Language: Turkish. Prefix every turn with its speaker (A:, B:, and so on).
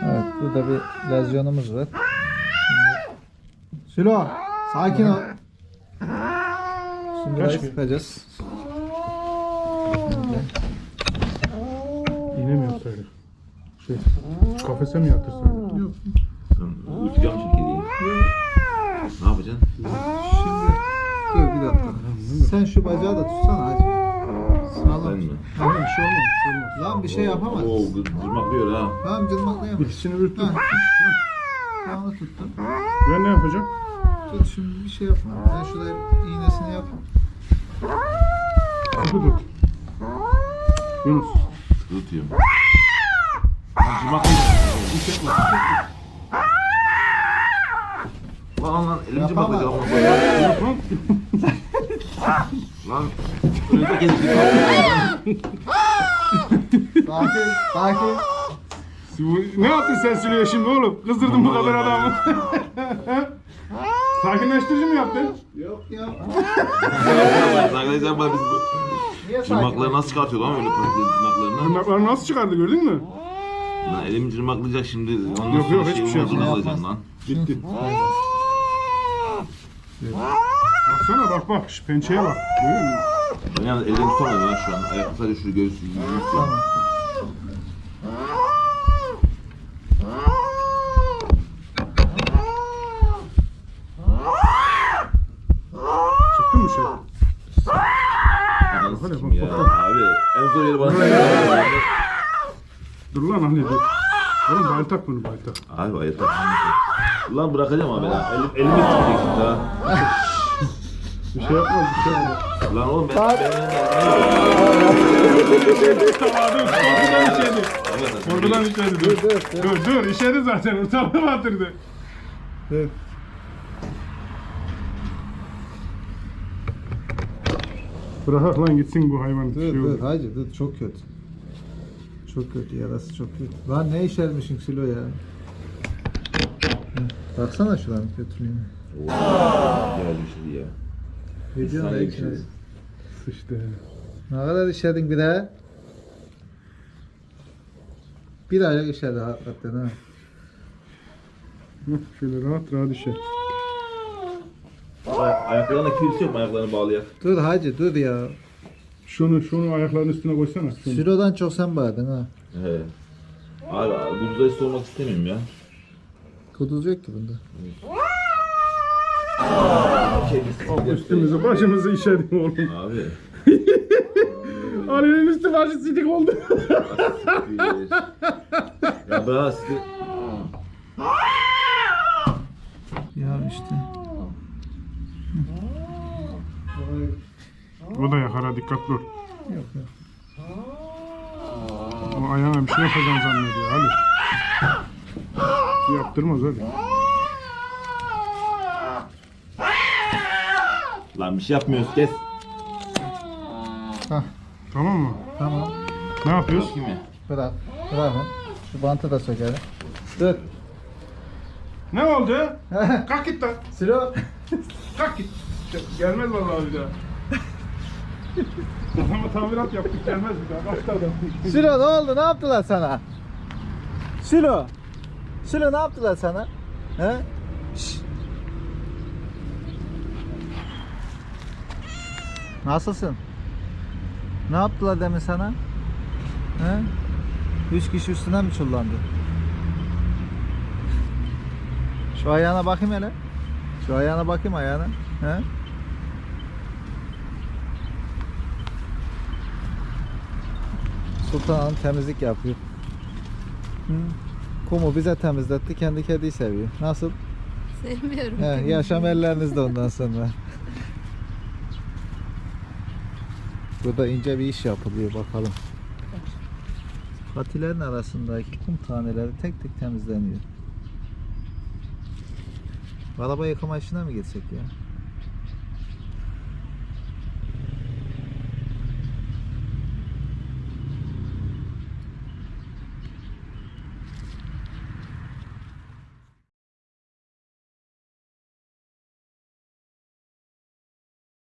A: Evet, burada bir lezyonumuz var. Sülo, sakin ol. Şimdi burayı sıkacağız.
B: İğne mi yapsaydık? Kafese mi yatırsaydık?
A: Yok.
C: Uçacağım çünkü değil. Ne yapacaksın?
A: Şimdi dur bir dakika. Sen şu bacağı da tutsana hacı. Sağlam.
C: Ben mi?
B: Tamam, bir şey olmaz. Bir şey olmaz.
A: Lan bir şey yapamaz.
C: Oo, dırmaklıyor ha.
A: Tamam cırmaklayamaz.
B: İkisini ürttüm.
A: Ha. Ben onu tuttum.
B: Ben ne yapacağım?
A: Tut şimdi bir şey yapma. Ben şurada iğnesini yap.
B: Tut. Yunus.
C: Tutuyorum. Dırmaklıyor. Lan elim cırmaklayacak ama.
B: Yap lan.
C: Lan. Önümde gezdik.
A: Sakin, sakin.
B: Ne yaptın sen Süleyman şimdi oğlum? Kızdırdın bu kadar adamı. Sakinleştirici mi yaptın?
A: Yok ya.
C: Arkadaşlar bana biz bu
A: Niye sakin?
C: cırmakları nasıl çıkartıyor lan öyle patates cırmaklarını?
B: Tırnakları nasıl çıkardı gördün mü?
C: Lan elim cırmaklayacak şimdi. Ondan
B: Yok,
C: sonra
B: hiçbir şey
C: olmaz,
A: yapmaz.
C: alacağım lan.
B: Bitti. Baksana bak şu pençeye bak. Görüyor musun?
C: Ben yalnız elimi tutamadım lan şu an. Ayakta sadece şunu göğsü.
A: Tamam.
B: Çıktı mı şey?
C: Ananı
B: Hadi
C: sikim
B: bak,
C: ya.
B: bak, bak.
C: Abi en zor yeri bana.
B: Dur lan anne dur. Oğlum bayıltak bunu bayıltak.
C: Abi ayıp. Ulan bırakacağım abi ya. Elimi tutacak şimdi ha.
B: Bir şey yapmaz bir şey yapmaz.
C: Lan oğlum ben...
B: Korkudan işedi. Dur işedi zaten ortalığı batırdı.
A: Dur.
B: Bırak lan gitsin bu hayvan.
A: Dur
B: Şey
A: dur
B: olur.
A: hacı dur çok kötü. Çok kötü yarası çok kötü. Lan ne işermişsin Silo ya. Hı, baksana şuradan götüreyim.
C: Geldi şimdi ya.
A: Ne diyorsun
C: Sana
A: ya?
C: yakışır.
B: Sıçtı.
A: Ne kadar işledin bir daha? Bir aylık işledi hakikaten ha.
B: Şöyle rahat rahat işe.
C: Ayaklarına kimse yok mu ayaklarını bağlayak?
A: Dur hacı dur ya.
B: Şunu ayaklarının üstüne koysana. Şunu.
A: Silo'dan çok sen bağırdın ha.
C: He. Abi buzdayı sormak istemiyorum ya.
A: Kuduz yok ki bunda.
B: Üstümüzü başımızı işedik oğlum.
C: Abi.
B: Ali'nin üstü başı sidik oldu.
C: Ya bırak sizi.
A: Ya işte.
B: O da yakar ha dikkatli ol.
A: Yok yok.
B: O ayağına bir şey yapacağını zannediyor Ali. Yaptırmaz Ali.
C: Lan bir şey yapmıyoruz kes.
A: Hah
B: Tamam mı?
A: tamam.
B: Ne yapıyoruz?
C: Kim ya?
A: Bırak. Bırak lan. Şu bantı da sökelim. Dur.
B: Ne oldu? Kalk git lan.
A: Silo.
B: Kalk git. Gelmez vallahi bir daha. Adama tamirat yaptık gelmez bir daha. Kalktı adam.
A: Silo ne oldu? Ne yaptılar sana? Silo. Silo ne yaptılar sana? He? Şşş. Nasılsın? Ne yaptılar demin sana? He? 3 kişi üstüne mi çullandı? Şu ayağına bakayım hele. Şu ayağına bakayım ayağına. He? Sultan Hanım temizlik yapıyor. Hı. Kumu bize temizletti, kendi kediyi seviyor. Nasıl?
D: Sevmiyorum.
A: He, yaşam ellerinizde ondan sonra. Burada ince bir iş yapılıyor bakalım. Patilerin arasındaki kum taneleri tek tek temizleniyor. Araba yıkama işine mi girsek ya?